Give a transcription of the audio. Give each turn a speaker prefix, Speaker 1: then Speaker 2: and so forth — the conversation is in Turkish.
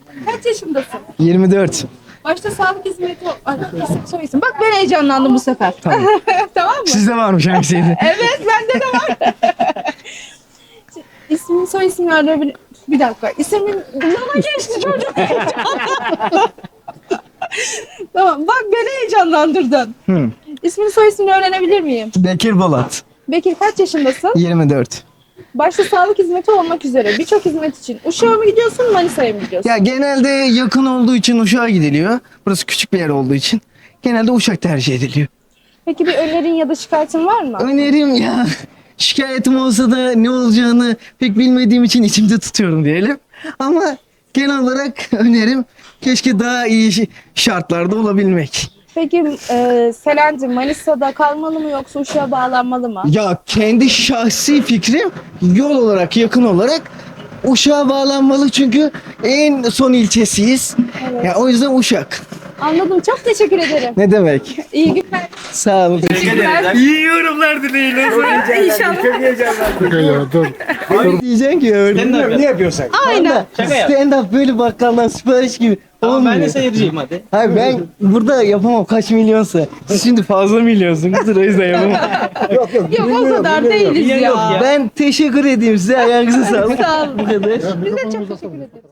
Speaker 1: Kaç yaşındasın?
Speaker 2: 24.
Speaker 1: Başta sağlık hizmeti... Ay, isim soy isim. Bak ben heyecanlandım bu sefer. Tamam, tamam mı?
Speaker 2: Sizde varmış hangisiydi?
Speaker 1: Evet bende de var. İsmin soy ismini öğrenebilir... Bir dakika. İsmin... Bana geçti çocuk. Tamam bak beni heyecanlandırdın.
Speaker 2: Hı.
Speaker 1: İsmini soy ismini öğrenebilir miyim?
Speaker 2: Bekir Bolat.
Speaker 1: Bekir kaç yaşındasın?
Speaker 2: 24.
Speaker 1: Başta sağlık hizmeti olmak üzere birçok hizmet için Uşak'a mı gidiyorsun Manisa'ya mı gidiyorsun?
Speaker 2: Ya genelde yakın olduğu için Uşak'a gidiliyor. Burası küçük bir yer olduğu için. Genelde Uşak tercih ediliyor.
Speaker 1: Peki bir önerin ya da şikayetin var mı?
Speaker 2: Önerim ya. Şikayetim olsa da ne olacağını pek bilmediğim için içimde tutuyorum diyelim. Ama genel olarak önerim keşke daha iyi şartlarda olabilmek.
Speaker 1: Peki Selancı Manisa'da kalmalı mı yoksa Uşak'a bağlanmalı mı?
Speaker 2: Ya kendi şahsi fikrim yol olarak yakın olarak Uşak'a bağlanmalı çünkü en son ilçesiyiz.
Speaker 1: Evet.
Speaker 2: Ya o yüzden Uşak.
Speaker 1: Anladım. Çok teşekkür ederim.
Speaker 2: Ne demek?
Speaker 1: İyi günler.
Speaker 2: Sağ olun.
Speaker 1: Teşekkürler.
Speaker 2: İyi yorumlar dileğiyle.
Speaker 1: İnşallah.
Speaker 2: Diyeceksin ki öyle.
Speaker 3: Ne yapıyorsun?
Speaker 1: Aynen.
Speaker 3: Şaka yap.
Speaker 2: Stand up böyle bakkaldan sipariş gibi.
Speaker 3: Tamam, ben de
Speaker 2: olmuyor.
Speaker 3: seyirciyim hadi.
Speaker 2: Hayır ben burada yapamam kaç milyonsa. Siz şimdi fazla milyonsunuz o yüzden yapamam.
Speaker 1: Yok o kadar değiliz
Speaker 3: Yok
Speaker 1: ya.
Speaker 3: ya.
Speaker 2: Ben teşekkür edeyim size ayağınıza sağlık.
Speaker 1: Sağ olun.
Speaker 2: Bu kadar.
Speaker 1: Biz de çok teşekkür ederiz.